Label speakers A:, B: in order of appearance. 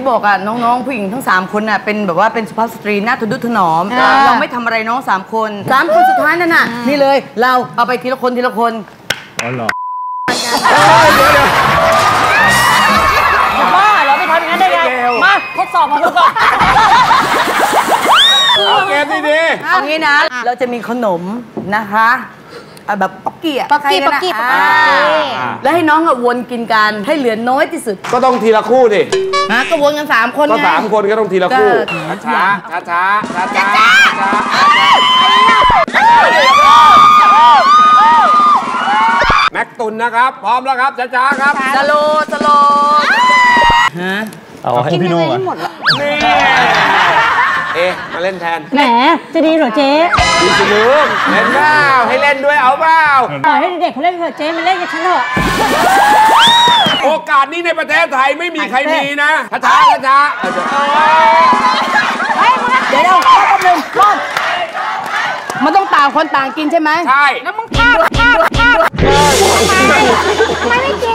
A: บอกอ่ะน้องๆผู้หญิงทั้ง3คนน่ะเป็นแบบว่าเป็นสุภาพสตรีน่าทนุถนอมเราไม่ทำอะไรน้อง3 คน3 คนสุดท้ายนั่นน่ะนี่เลยเราเอาไปทีละคน
B: อ๋อเหรอ
C: บ้าเหรอไม่ทำอย่างนั้นได้ไงมาทดสอบมาทดสอบ
B: เอาเกมดี
A: ๆเอางี้นะเราจะมีขนมนะคะแบบป๊อกกี้แล้วให้น้องวนกินกันให้เหลือน้อยที่สุด
B: ก็ต้องทีละคู่ดิ
A: ก็วนกัน3 คน
B: ก็3 คนก็ต้องทีละคู่ช้าแม็กตุนนะครับพร้อมแล้วครับช้าๆครับ
A: สโล
B: เอาให้พี่โน่ก่อนนี่มาเล่นแทน
C: แหมจะดีเหรอเจ๊
B: ดีสิลืมเล่นเปล่าให้เล่นด้วยเอาเปล่า
C: ปล่อยให้เด็กเขาเล่นเถอะเจ๊มันเล่นกับฉันเถอะ
B: โอกาสนี้ในประเทศไทยไม่มีใครมีนะช้า
A: เดี๋ยวแป๊บนึงก่อนมันต้องต่างคนต่างกินใช่ไหม
B: ใช่
C: แล้วมึงพลาดทำไมไม่กิน